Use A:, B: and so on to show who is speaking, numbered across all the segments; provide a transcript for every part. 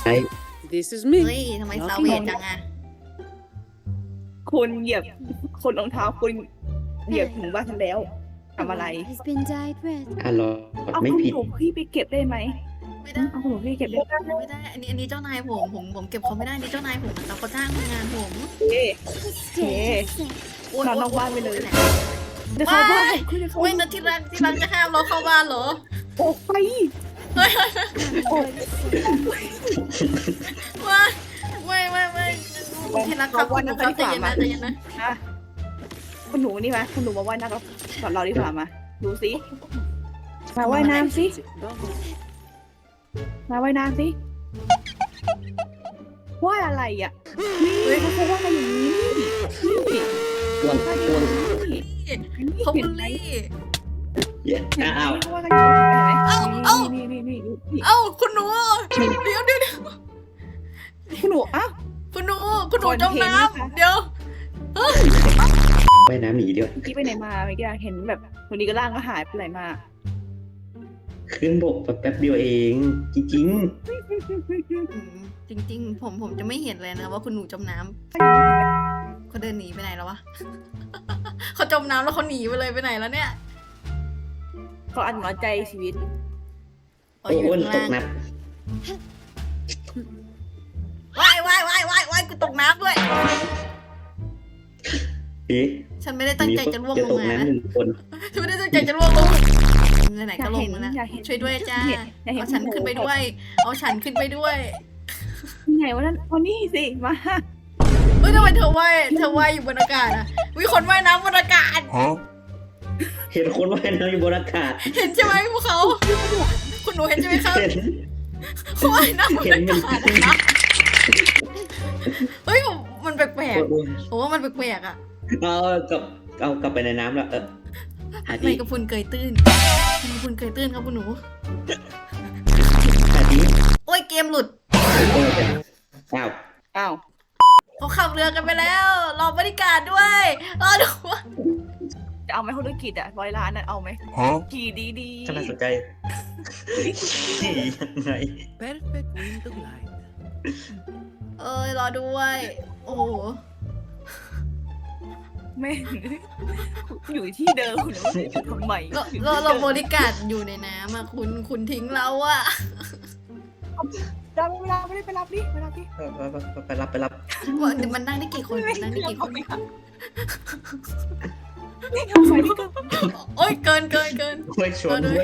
A: This is
B: เฮ้
A: me.
B: ยทำไมซาเวจจังอะ
C: คุณเหยียบคนรองเท้าคุณเหยียบถึงบ้านฉันแล้วทำอะไร
D: has been dyed red.
E: รอ
C: เอา
E: ไม่
C: คุณ
E: ผิด
C: หนูพี่ไปเก็บได้ไหม
B: ไม่ได้
C: เอาคุณหนูพี่เก็บได้ไหม
B: ไม่ได้อันนี้เจ้านายผมเก็บเขาไม่ได้นี่เจ้านายผมนะครับเขาจ้างทำงานผม
C: เอ๊ะ
D: The stage is set.
B: โอ๊ย
C: นอนนอกบ้านไปเลย
B: หน
C: เดี๋ยวเขาบ้านคุณจะเขา
B: เว้ยนะที่รักจะห้ามเราเข้าบ้านเหรอ
C: ออกไป
B: เฮ้ย
C: ออก
B: ไม่ที่รักครับคุณหนูครับใจเย็นนะใจเย็นนะ
C: นะคุณหนูนี่ไหมคุณหนูมาว่ายน้ำกับเราดีกว่ามาดูสิมาว่ายน้ำสิมาว่ายน้ำสิว่ายอะไรอ่ะนี่เขาว่ายกันอย่างนี้นี่
E: กวนกวน
B: เขาบุลลี่
E: อ้าว
C: เขาว่ายกันอย่างนี้เห็นไหมนี่
B: เอ้าคุณหนูเดี๋ยว
C: คุณหนูอ้าว
B: คุณหนูจมน้ำเดี๋ยว
E: ไปน้ำหนีเดียว
C: เมื่อกี้ไปไหนมาเมื่อกี้เห็นแบบวันนี้ก็ร่างก็หายไปไหนมา
E: ขึ้นบกแป๊บเดียวเองจริง
B: จริงๆผมจะไม่เห็นเลยนะว่าคุณหนูจมน้ำเขาเดินหนีไปไหนแล้ววะ เขาจมน้ำแล้วเขาหนีไปเลยไปไหนแล้วเนี่ย
C: เขาอันหัวใจชีวิต
E: ๆโอ้นตกนัด
B: ว่ายกูตกน้ำด้วย
E: เอ๊ะ
B: ฉันไม่ได้ตั้งใจจะล่วง
E: จะ
B: ล
E: ต
B: ง
E: ก
B: มา
E: น้ำหนึ่งคน
B: ฉันไม่ได้ตั้งใจจะล่วงลงไหนๆก็ลงแล้วนะ
C: อยากเห็น
B: ช่วยด้วยจ้า
C: อยากเห็น
B: เอาฉันขึ้นไปด้วย เอาฉันขึ้นไปด้วย
C: ยังไงวันนั้นวันนี้สิมา
B: เฮ้ยทำไมเธอว่ายอยู่บนอากาศอ่ะมีคนว่ายน้ำบนอากาศ
E: เห็นคนว่ายน้ำอยู่บนอากาศ
B: เห็นใช่ไหมพวกเขา คุณหนูเห็นใช่ไหมครับ
E: เห็น
B: เขาว่ายน้ำบน
E: เห็น
B: อา
E: มัน
B: กาศนะคะเฮ้ยมันแปลกๆผมว่ามันแปลกๆอ่ะ
E: เอากลับไปในน้ำแล้วหา
B: ไม่
E: ที่
B: กระพุนเกยตื้นกระพุนเกยตื้นครับคุณหนู
E: หาที่
B: โอ้ยเกมหลุด
E: อ้าว
C: อ้าว
B: เขาขับเรือกันไปแล้ว รอบริการด้วยรอดูว่า
C: จะเอาไหมธุรกิจอ่ะ100 ล้านอ่ะเอาไหมขี่ดี
E: ฉันน่าสนใจนี่ยังไง
A: perfect wind of light.
B: เอ้ยรอด้วย โอ้โห
C: แม่อยู่ที่เดิมคุณทำไม
B: เราบริการอยู่ในน้ำอ่ะคุณทิ้งเราอ่ะ
C: ได้เวลาไม่ได้ไปรับดิไปรับดิ
E: ไปรับ
B: มันนั่งได้กี่คนมันนั่งได้กี่คน
C: นี่ทำไมนี่ก็
B: โอ้ยเกิน
E: ไม่ชวนด้วย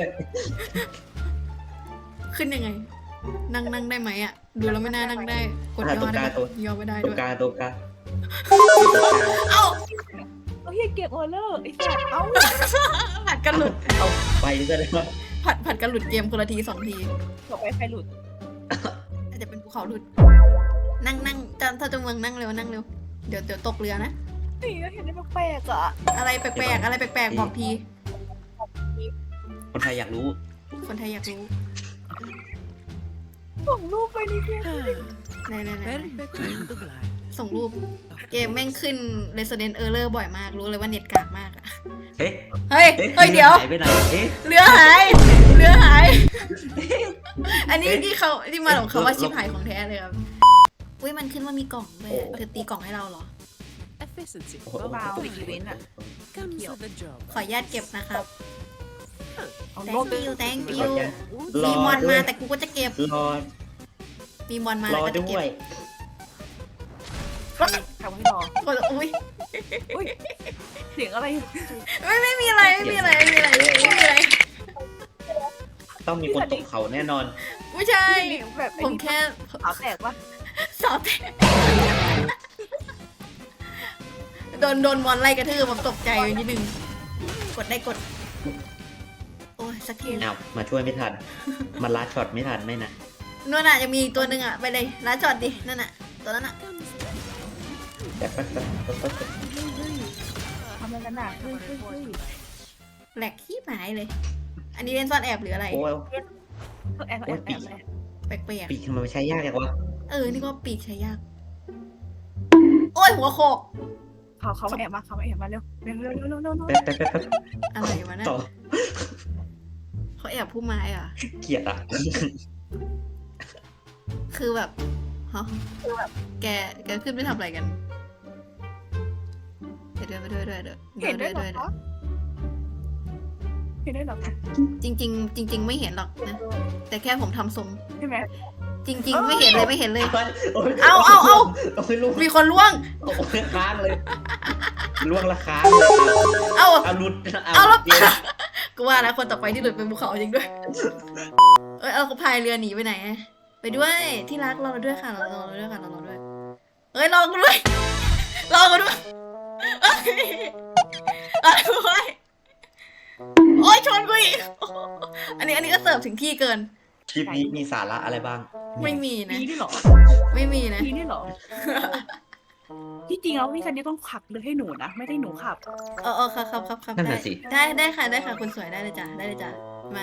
B: ขึ้นยังไง นั่งได้ไหมอ่ะ ดูแล้วไม่น่านั่งได้ กดย่อได้ปะย่อไม่ได้
E: ตร
B: ด้
E: ง
B: วย
E: กลาง
B: เอ้า
C: เฮียเก็บออเดอร์ไอ้สัสเอ้า
B: ผัดกันหลุด
E: เอาไปซะแล้ว
B: ผัดกันหลุดเกมคนละที2 ที
C: ต่อไปใครหลุด
B: อาจจะเป็นภูเขาหลุด นั่งถ้าจะเมืองนั่งเร็ว เดี๋ยวตกเรือนะ
C: นี่เห็นได้แปลกๆอ่ะ
B: อะไรแปลกๆบอกที
E: คนไทยอยากรู้
B: คนไทยอยากรู้
C: ส่งรูปไปนี่เพื่อน
B: ไหน
A: Perfect wind of light.
B: ส่งรูป เกมแม่งขึ้น Resident Error บ่อยมาก รู้เลยว่าเน็ตกากมากอะ
E: เอ๊ะ
B: เฮ้ยเดี๋ยว
E: หายไปไหนเอ๊ะ
B: เรือหาย อันนี้ที่มาของคำว่าชิบหายของแท้เลยครับ อุ้ยมันขึ้นว่ามีกล่องด้วยอะเธอตีกล่องให้เราเหรอ
A: Efficiency.
C: เบาๆอีเวนต์อ่ะ
A: Comes with the job.
B: ขออนุญาตเก็บนะครับ
C: เอารูป
B: thank you
E: ร
B: มี
E: อ
B: มอน
E: ด้ว
B: มาย แต่กูก็จะเก็บ
E: รอ
B: มีมอนมา
E: ร
B: แล้ว
E: อ
B: ก็จะ
E: ด้
B: เก็
E: ว
B: บ
E: ย
C: ทำให้รอ
B: อุ้ย
C: เสียงอะไร
B: ไม่มีอะไร
E: ต้องมีคนตกเขาแน่นอน
B: ไม่ใช่
C: แบบ
B: ผมแค่
C: ขาแตกปะ
B: สอบแทนโดนมอนไล่กระทืบผมตกใจไปนิดนึง กดได้กด โอ้ยสักที
E: อ้าว มาช่วยไม่ทัน มันลัดช็อตไม่ทันไหมนะ
B: นู่นน่ะจะมีอีกตัวหนึ่งอ่ะ ไปเลยร้านจอดดิ นั่นน่ะ ตัวนั้นอ่ะ
E: แป๊บ
C: ทำอะไรกันน่ะเฮ้ย
B: แหลกขี้หมายเลย อันนี้เล่นซ่อนแอบหรืออะไร
E: โอ้ย
C: แอบเลย
B: แปลก
E: ปีกทำไมมันใช้ยากจังวะ
B: ๆนี่ก็ปีกใช้ยาก โอ้ยหัวโขก
C: เขาแอบมาเร็วเร็ว
E: แป๊บ
B: อะไรวะเนี่ย
E: ต่อ
B: เขาแอบผู้ไม้อ่ะ
E: เกลียดอ่ะ
B: คือแบบฮะแกขึ้นไปทำอะไรกันไปด้วย
C: เห็นด้วยเหรอคะเห็นด้วยเหรอคะ
B: จริง ๆ ไม่เห็นหรอกนะ แต่แค่ผมทำทรง
C: ใช่ไหม
B: จริง ๆ ไม่เห็นเลยไม่เห็นเลย
E: โอ้ย
B: เอา
E: โอ้ยล่วง
B: มีคนล่วง
E: โอ้ยค้างเลยล่วงละค้างเลย
B: เอา
E: เอาหลุด
B: เอาแล้ว
E: เดี๋ยว
B: กูว่าแล้วคนต่อไปที่หลุดเป็นภูเขาจริงด้วย เอาเขาพายเรือหนีไปไหนอะไปด้วยที่รักรอเราด้วยค่ะรอเราด้วยค่ะรอเราด้วยเอ้ยรอกูด้วยรอกูด้วยเอ้ยรอกูด้วยโอ๊ยชนกูอีกอันนี้ก็เสิร์ฟถึงที่เกิน
E: คลิปนี้มีสาระอะไรบ้าง
B: ไม่มีนะ
C: มีด้วยเหรอ
B: ไม่มีนะ
C: มีด้วยเหรอ ที่จริงแล้วพี่ซันนี่ต้องขับเรือให้หนูนะ ไม่ได้หนูขับ
B: ครับ
E: นั่นน่ะสิ
B: ได้ค่ะคุณสวยได้เลยจ้ะมา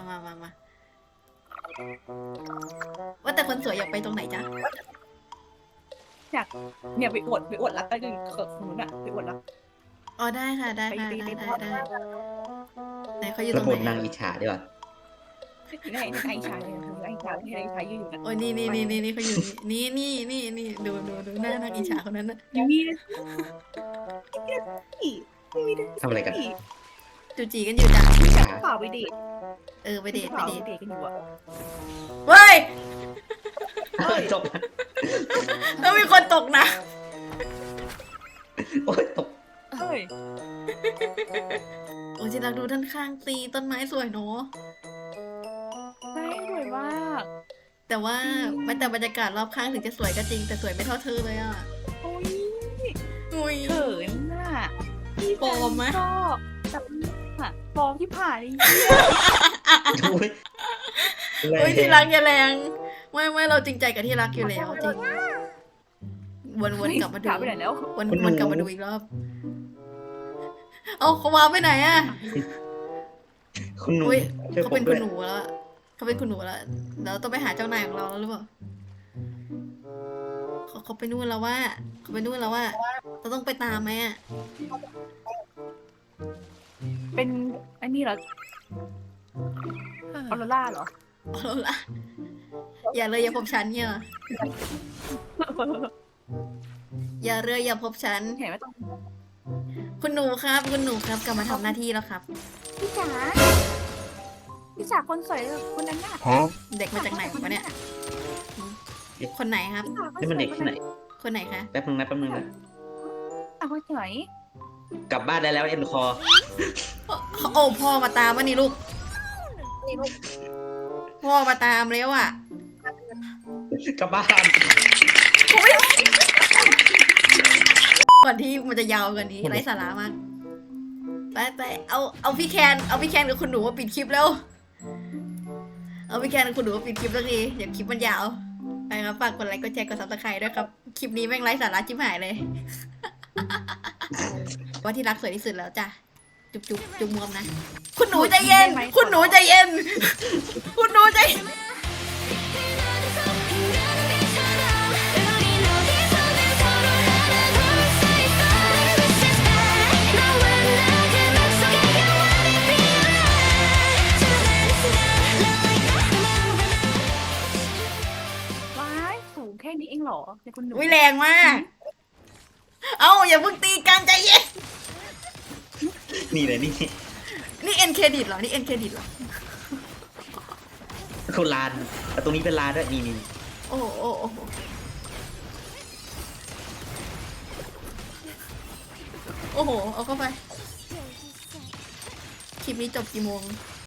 B: ว่าแต่คนสวยอยากไปตรงไหนจ๊ะ
C: อยากเนี่ยไปอวดรักกันกับหนูน่ะไปอวดรัก
B: อ๋อได้ค่ะได้ไหนเขาอยู่ต
E: ระ
B: รง
E: บบ
B: ไหน
E: นางอิจฉาดีกว่า
C: ในไอชายเนี่ยไอชายยืนอยู่นะ
B: โอ้ยนี่เขาอยู่นี่ดูหน้านักอิจฉาคนนั้นนะ
C: มี
E: ทำอะไรกัน
B: จูจีกันอยู่จ้ะ
E: อิจฉา
C: เปล่าไปเดท
B: ไปเดท
C: กันอยู่อะ
B: เว้ย
E: จบ
B: แล้วมีคนตกนะ
E: โอ้ยตก
C: เฮ้ย
B: โอ้ยจิรักดูด้านข้างตีต้นไม้สวยเนาะ
C: ได้สวยมาก
B: แต่ว่าแม้แต่บรรยากาศรอบข้างถึงจะสวยก็จริงแต่สวยไม่เท่าเธอเลยอ่ะ
C: โอ้ย
B: อุ้ย
C: เขินน่ะ
B: ปลอมไหม
C: ก็แบบปลอมที่ผ่านนี่
E: โอ้ย
B: โอ้ยที่รักอย่าแรงไม่เราจริงใจกับที่รักอยู่แล้วจริงวนกลับมาดู
C: ถามไปไหนแล้ว
B: วนกลับมาดูอีกรอบเอาเขาวางไปไหนอ่ะ
E: คุณหนู
B: อุ้ย
E: ช่วย
B: เขา
E: ผ
B: เป็
E: ม
B: น
E: ด้
B: คุ
E: วย
B: ณหนูแล้วเขาเป็นคุณหนูแล้วเราต้องไปหาเจ้านายของเราแล้วหรือเปล่าเขาไปนู่นแล้วว่าเราต้องไปตามไหมอ่ะ
C: เป็นอันนี้เหรอออโรร่าเหรอ
B: เอาละอย่าเลยอย่าพบฉันเนี่ยอย่าเลยอย่าพบฉัน
C: เห็นไหมต้อง
B: คุณหนูครับกลับมาทำหน้าที่แล้วครับ
C: พี่จ๋าคนสวยคนนั้นน่ะ
B: เด็กมาจากไหนวะเนี่ยคนไหนครับ
E: นี่มันเด็กที่ไหน
B: คนไหนคะ
E: แป๊บนึงนะ
C: เอาคนสวย
E: กลับบ้านได้แล้วเอ็นคอ
B: โอ้พ่อมาตามวะนี่ลูกพ่อมาตามแล้วอ่ะ
E: กลับบ้าน
B: ก่อนที่มันจะยาวกว่านี้ไร้สาระมากไปเอาพี่แคนกับคุณหนูมาปิดคลิปแล้วเอาพี่แคนกับคุณหนูมาปิดคลิปสักทีเดี๋ยวคลิปมันยาวไปครับฝากกดไลค์กดแชร์กดซับสไครต์ด้วยครับคลิปนี้แม่งไร้สาระชิบหายเลย ว่าที่รักสวยที่สุดแล้วจ้ะจุ๊บมวมนะคุณหนูใจเย็นคุณหนูใจเย็นคุณหนูใจ
C: ว้ายสูงแค่นี้เองเหรอในคุณหนู
B: วิแรงมาก เอาอย่าเพิ่งตีกันใจเย็น
E: นี่เลยนี่
B: นี่เอ็นเครดิตเหรอนี่เอ็นเครดิตเหรอ
E: คนลานแต่ตรงนี้เป็นลานด้วยนี่
B: โอ้โหเอาเข้าไปคลิปนี้จบกี่โมง